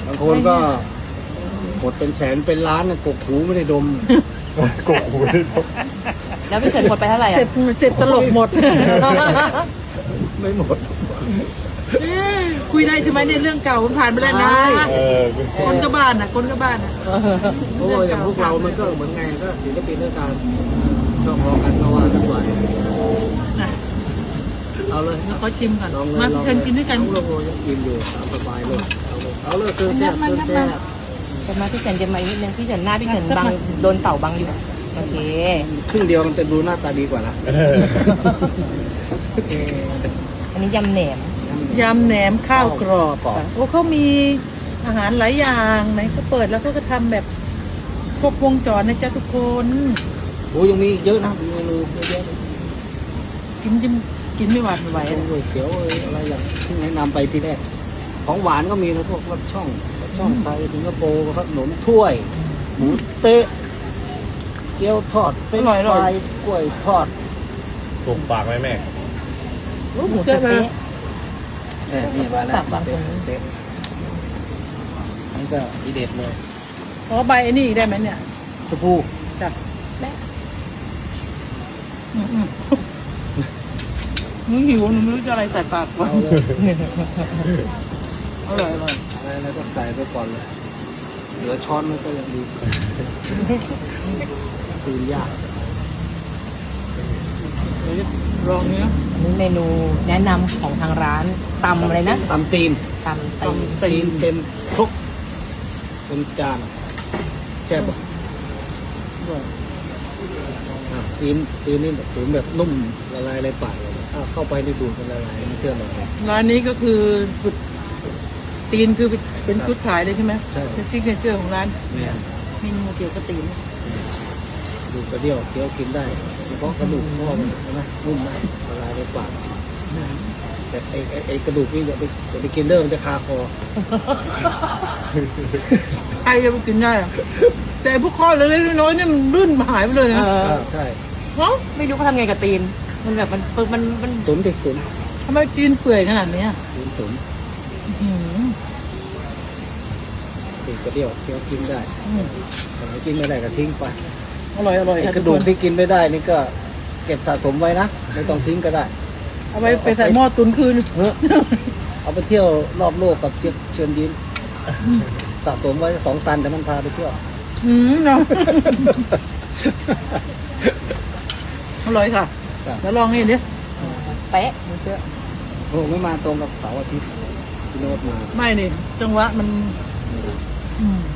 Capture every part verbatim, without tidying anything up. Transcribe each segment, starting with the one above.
บางคนก็หมดเป็นแสนเป็นล้านนะกกหูไม่ได้ดมกบหูได้แล้วพี่เฉินหมดไปเท่าไหร่เสร็อ่ะจเสร็จตลกหมดไม่หมดคุยได้ใช่ไหมเนี่ยเรื่องเก่ามันผ่านไปแล้วนะเออคนก็บ้านนะคนก็บ้านนะเพราะว่าอย่างพวกเรามันก็เหมือนไงก็ศิลปินด้วยกันชอบร้องกันก็ว่ากันไปนะเอาเลยแล้วเขาชิมก่อนลองเลยมาลองเชิญกินด้วยกันเอาเลยยังกินอยู่ตามสบายเลยเอาเลยเอาเลยเชิญแซ่บมันเชิญนับแซ่มันนับบจะมาพี่เฉินจะมาอีกนิดนึงพี่เฉินหน้าพี่เฉินบังโดนเสาบังอยู่โอเคครึ่งเดียวมันจะดูหน้าตาดีกว่านะเอออันนี้ยำแหนมยำแหนมข้าวกรอบค่ะโอ้เขามีอาหารหลายอย่างไหนเขาเปิดแล้วเขาก็ทำแบบครบวงจรนะจ๊ะทุกคนโอ้ยังมีอีกเยอะนะมีเมนูเยอะแยะเลยกินจิ้มกินไม่หวาดไม่ไหวไอ้ก๋วยเตี๋ยวเอ้ยอะไรอย่างที่แนะนำไปทีแรกของหวานก็มีนะพวกรสช่องรสช่องไทยสิงคโปร์ขนมถ้วย หมูเต๊ะเกี๊ยวทอดเฟรนช์ฟรายกล้วยทอดถูกปากไหมแม่หมูสะเต๊ะเออนี่มาแล้วฝากบางคนเต๊ะนี่ก็อีเด็ดเลยขอใบไอ้นี่อีกได้ไหมเนี่ยชมพู่จ้ะแม่อืมอืมหนูหิวหนูไม่รู้จะอะไรใส่ปากวะเอาเลยอร่อยอร่อยอะไรอะไรก็ใส่ไปก่อนเลยเหลือช้อนมันก็ยังดีคืนยากเดี๋ยวลองเนี้ยอันนี้เมนูแนะนำของทางร้านตำอะไรนะตำตีนตำตีนตีนเต็มครกเต็มจานแซ่บอ่ะอ่ะตีนตีนนี่แบบตุ๋นแบบนุ่มละลายในปากเลยอ่ะเข้าไปในดูดมันละลายไม่เชื่อหรอกร้านนี้ก็คือจุดตีนคือเป็นจุดขายเลยใช่ไหมใช่เป็นซิกเนเจอร์ของร้านเนี่ยเมนูเกี่ยวกับตีนดูกระเดี่ยวเคี้ยวกินได้เฉพาะกระดูกงอมันนะนุ่มมากละลายในปากแต่ไอ้ไอ้ไอ้กระดูกนี่อย่าไปอย่าไปกินเด้อมันจะคาคอใครจะไปกินได้อะแต่พวกข้อเล็กๆน้อยๆเนี่ยมันรื่นหายไปเลยนะเอออ่าใช่เนาะไม่รู้เขาทำไงกับตีน มันแบบมันปึกมันมันตุ๋นดิตุ๋นทำไมตีนเปื่อยขนาดเนี้ยตุ๋นตุ๋นอื้อหือตีนกระเดี่ยวเคี้ยวกินได้อืมแต่ไหนกินไม่ได้ก็ทิ้งไปอร่อยอร่อยไอ้ค่ะกระดูกที่กินไม่ได้นี่ก็เก็บสะสมไว้นะไม่ต้องทิ้งก็ได้เอาไปไปใส่หม้อตุนคืนเฮ้ยเอาไปเที่ยวรอบโลกกับเจี๊ยบเชิญยิ้มสะสมไว้สองตันแต่มันพาไปเที่ยวอืมเนาะอร่อยค่ะครับแล้วลองนี่ดิเป๊ะหมูเชื่อโอ้ไม่มาตรงกับเสาร์อาทิตย์พี่โน้ตมาไม่นี่จังหวะมันอืม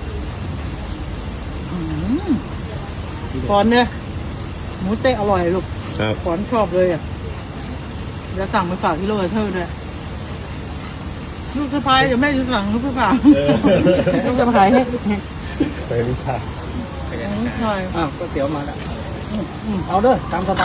อืมขอนเนี่ยหมูเตะอร่อยลูกครับขอนชอบเลยอ่ะเดี๋ยวสั่งไปฝากที่โรเทอร์ด้วยลูกสะพายจะแม่จะสั่งลูกสะพายเออลูกจะมาขายให้ไปวิชาใช่อ้าวก๋วยเตี๋ยวมาแล้วอืมเอาเด้อตามสบาย